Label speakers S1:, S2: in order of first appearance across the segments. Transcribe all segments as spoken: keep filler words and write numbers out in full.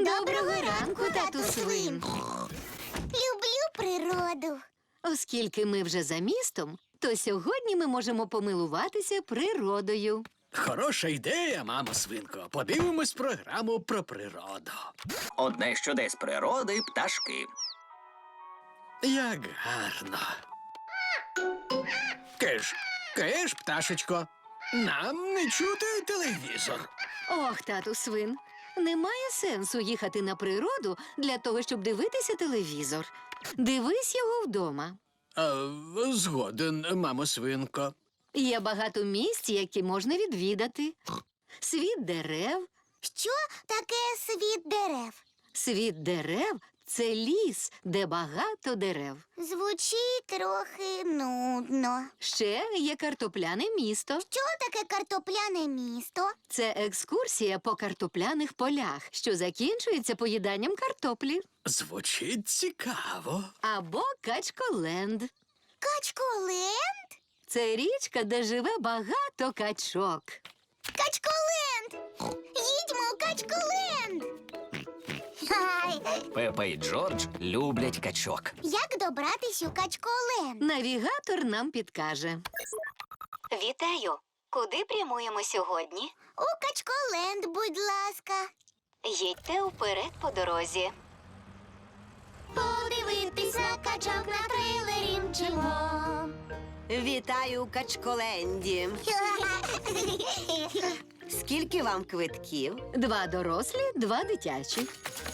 S1: Доброго ранку, тату свин.
S2: Люблю природу.
S1: Оскільки ми вже за містом, то сьогодні ми можемо помилуватися природою.
S3: Хороша ідея, мамо свинко. Подивимось програму про природу.
S4: Одне з чудес природи – пташки.
S3: Як гарно. Киш, киш, пташечко. Нам не чути телевізор.
S1: Ох, тату свин, немає сенсу їхати на природу для того, щоб дивитися телевізор. Дивись його вдома.
S3: А, згоден, мамо свинко.
S1: Є багато місць, які можна відвідати. Світ дерев.
S2: Що таке світ дерев?
S1: Світ дерев – це ліс, де багато дерев.
S2: Звучить трохи нудно.
S1: Ще є картопляне місто.
S2: Що таке картопляне місто?
S1: Це екскурсія по картопляних полях, що закінчується поїданням картоплі.
S3: Звучить цікаво.
S1: Або Качколенд.
S2: Качколенд?
S1: Це річка, де живе багато качок.
S2: Качколенд! Їдьмо у Качколенд! Хай!
S4: Пепа і Джордж люблять качок.
S2: Як добратись у Качколенд?
S1: Навігатор нам підкаже. Вітаю! Куди прямуємо сьогодні?
S2: У Качколенд, будь ласка.
S1: Їдьте вперед по дорозі.
S2: Подивитись на качок на трейлері мчимо.
S5: Вітаю у Качколенді. Скільки вам квитків?
S1: Два дорослі, два дитячі.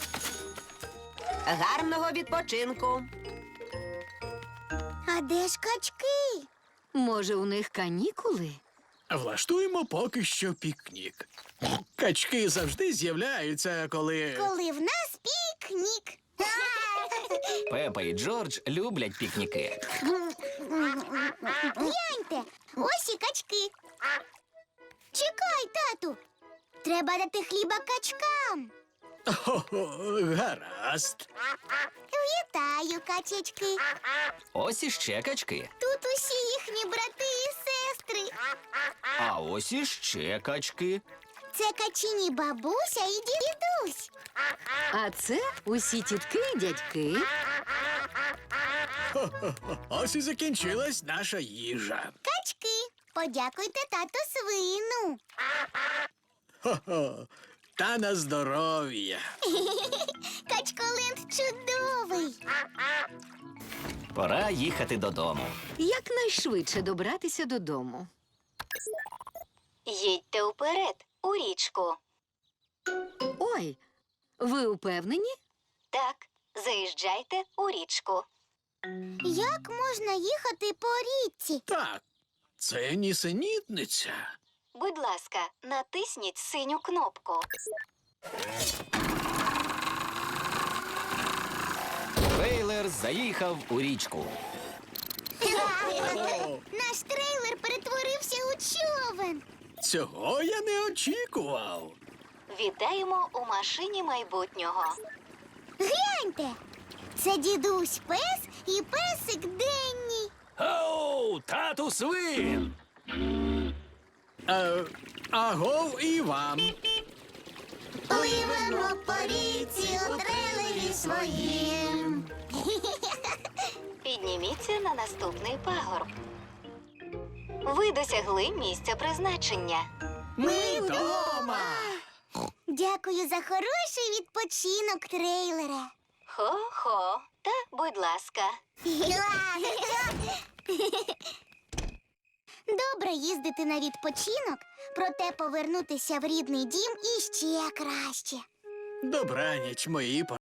S5: Гарного відпочинку.
S2: А де ж качки?
S1: Може, у них канікули?
S3: Влаштуємо поки що пікнік. Качки завжди з'являються, коли...
S2: Коли в нас пікнік.
S4: Пепа і Джордж люблять пікніки.
S2: Гляньте, ось і качки. Чекай, тату. Треба дати хліба качкам.
S3: О, гаразд.
S2: Вітаю, качечки.
S4: Ось іще качки.
S2: Тут усі їхні брати і сестри.
S4: А ось іще качки.
S2: Це качині бабуся і дідусь.
S1: А це усі тітки і дядьки.
S3: Ось і закінчилась наша їжа.
S2: Качки, подякуйте тату свину.
S3: Хо-хо. Та на здоров'я.
S2: Качколенд чудовий.
S4: Пора їхати додому.
S1: Якнайшвидше добратися додому. Їдьте вперед, у річку. Ой, ви упевнені? Так, заїжджайте у річку.
S2: Як можна їхати по річці?
S3: Так, це нісенітниця.
S1: Будь ласка, натисніть синю кнопку.
S4: Трейлер заїхав у річку.
S2: Наш трейлер перетворився у човен.
S3: Цього я не очікував.
S1: Вітаємо у машині майбутнього.
S2: Гляньте, це дідусь пес і песик Денні.
S4: Оу, тату свин!
S3: Е, агов і вам.
S2: Пливемо по річці у трейлері своїм.
S1: Підніміться на наступний пагорб. Ви досягли місця призначення.
S3: Ми вдома.
S2: Дякую за хороший відпочинок, трейлере.
S1: Хо-хо, та будь ласка.
S2: Добре їздити на відпочинок, проте повернутися в рідний дім іще краще.
S3: Добраніч, мої